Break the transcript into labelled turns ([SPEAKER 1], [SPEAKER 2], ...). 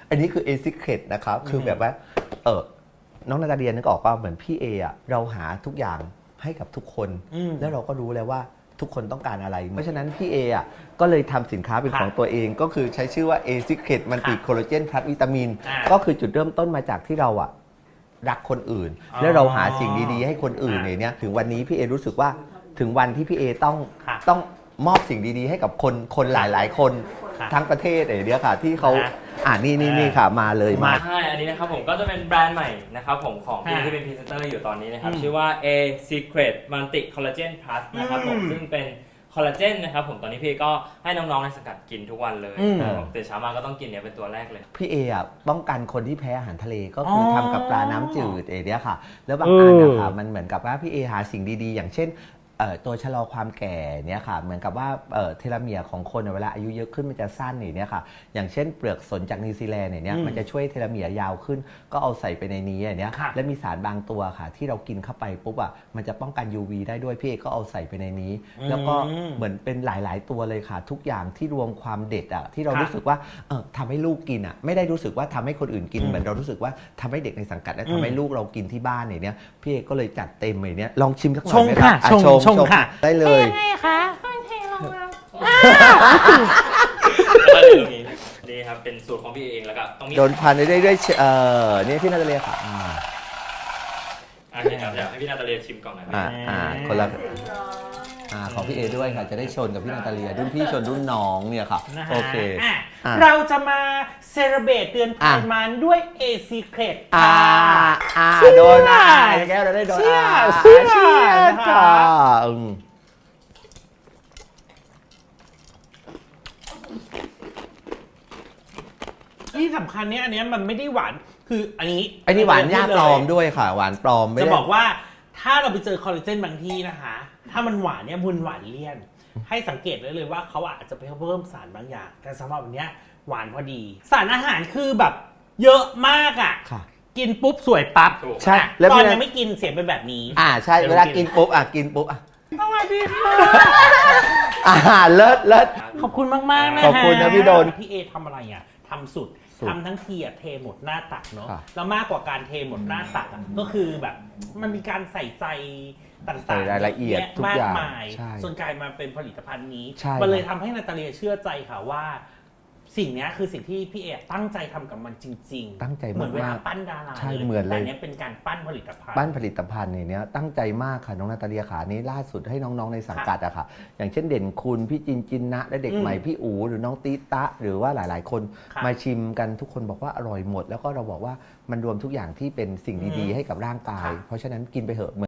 [SPEAKER 1] อันนี้คือ A Secret นะครับคือแบบว่าน้องนาตาเดียนึกออกป่ะเหมือนพี่เออะเราหาทุกอย่างให้กับทุกคนแล้วเราก็รู้แล้วว่าทุกคนต้องการอะไรเพราะฉะนั้นพี่เออะก็เลยทำสินค้าเป็นของตัวเองก็คือใช้ชื่อว่า A Secret มันติคอลลาเจนพลัสวิตามินก็คือจุดเริ่มต้นมาจากที่เราอะรักคนอื่นแล้วเราหาสิ่งดีๆให้คนอื่นเนี่ยถึงวันนี้พี่เอรู้สึกว่าถึงวันที่พี่เอต้องมอบสิ่งดีๆให้กับคนหลายๆคนทั้งประเทศเนี่ยค่ะที่เขานี่ค่ะมาเลยมา
[SPEAKER 2] ใช่อันนี้นะครับผมก็จะเป็นแบรนด์ใหม่นะครับผมของพี่ที่เป็นพรีเซนเตอร์อยู่ตอนนี้นะครับชื่อว่า A Secret Multi Collagen Plus นะครับผมซึ่งเป็นคอลลาเจนนะครับผมตอนนี้พี่ก็ให้น้องๆในสังกัดกินทุกวันเลยตื่นเช้ามาก็ต้องกินเนี่ยเป็นตัวแรกเลย
[SPEAKER 1] พี่เออ่ะป้องกันคนที่แพ้อาหารทะเลก็คือทำกับปลาน้ำจืดเนี่ยค่ะแล้วบางอันนะคะมันเหมือนกับว่าพี่เอหาสิ่งดีๆอย่างเช่นตัวชะลอความแก่เนี่ยค่ะเหมือนกับว่าเทโลเมียร์ของคนเวลาอายุเยอะขึ้นมันจะสั้นเนี่ยค่ะอย่างเช่นเปลือกสนจากนิวซีแลนด์เนี่ยมันจะช่วยเทโลเมียร์ยาวขึ้นก็เอาใส่ไปในนี้เนี่ยและมีสารบางตัวค่ะที่เรากินเข้าไปปุ๊บอ่ะมันจะป้องกัน UV ได้ด้วยพี่เอก็เอาใส่ไปในนี้แล้วก็เหมือนเป็นหลายๆตัวเลยค่ะทุกอย่างที่รวมความเด็ดอ่ะที่เรารู้สึกว่าทำให้ลูกกินอ่ะไม่ได้รู้สึกว่าทำให้คนอื่นกินเหมือนเรารู้สึกว่าทำให้เด็กในสังกัดและทำให้ลูกเรากินที่บ้านเนี่ยพี่เอก็เลยจัดเต็มเลยเนี่ยลองชิมสักหน่อยไหมครับชงค่ะได้เลย
[SPEAKER 3] ยังไงคะเทลงมา
[SPEAKER 2] แล้วก็ตรงนี้นี่ครับเป็นสูตรของพี่เองแล้วก็ต้องมี
[SPEAKER 1] โดนพันได้ด้วยนี่พี่นาตาเลียค่ะ
[SPEAKER 2] นี่ครับอยากให้พี่นาตาเลียชิมก่อนหน่อย
[SPEAKER 1] คนละของพี่เอด้วยค่ะจะได้ชนกับพี่นาตาเลียรุ่นพี่ชนรุ่นน้องเนี่ยค่ะโอเค
[SPEAKER 3] เราจะมาเซเลบรตเดือนไขมันด้วย A Secret
[SPEAKER 1] โดนแก้วเราได้โดน
[SPEAKER 3] เชื่อ
[SPEAKER 1] ค่ะ
[SPEAKER 3] ที่สำคัญเนี่ยอันนี้มันไม่ได้หวานคืออันนี้
[SPEAKER 1] หวานยาปลอมด้วยค่ะหวานปลอมไม่
[SPEAKER 3] จะบอกว่าถ้าเราไปเจอคอลลาเจนบางที่นะคะถ้ามันหวานเนี่ยบุญหวานเลี่ยนให้สังเกตได้เลยว่าเขาอาจจะไปเพิ่มสารบางอย่างแต่สำหรับอันเนี้ยหวานพอดีสารอาหารคือแบบเยอะมากอ่ะกินปุ๊บสวยปั๊บ
[SPEAKER 1] ใช่
[SPEAKER 3] ตอนยังไม่กินเสียงเป็นแบบนี้
[SPEAKER 1] ใช่เวลากินปุ๊บกินปุ๊บ
[SPEAKER 3] สวัสดีค่ะ
[SPEAKER 1] เลิศ
[SPEAKER 3] ขอบคุณมากๆนะ
[SPEAKER 1] ขอบคุณนะพี่โดน
[SPEAKER 3] พี่เอทำอะไรอ่ะทำสุดทำทั้งทีเทหมดหน้าตักเนาะแล้วมากกว่าการเทหมดหน้าตักก็คือแบบมันมีการใส่ใจต่างๆ
[SPEAKER 1] รายละเอียดทุกอย่าง
[SPEAKER 3] มากมายจนกลายมาเป็นผลิตภัณฑ์นี้มันเลยทำให้นาตาเลียเชื่อใจค่ะว่าสิ่งนี้คือสิ่งที่พี่เอตั้งใจทำกับมันจริงๆ
[SPEAKER 1] ตั้งใจมาก
[SPEAKER 3] เหมือนเวลาปั้นดารา
[SPEAKER 1] เหมือนเลย
[SPEAKER 3] แต่เนี้ยเป็นการปั้นผลิตภัณฑ์
[SPEAKER 1] เนี่ยตั้งใจมากค่ะน้องนาตาเลียขานี้ล่าสุดให้น้องๆในสังกัดอะค่ะอย่างเช่นเด่นคุณพี่จินนะและเด็กใหม่พี่อู๋หรือน้องตีตะหรือว่าหลายๆคนมาชิมกันทุกคนบอกว่าอร่อยหมดแล้วก็เราบอกว่ามันรวมทุกอย่างที่เป็นสิ่งดีๆให้กับร่างกายเพราะฉะนั้นกินไปเถอะ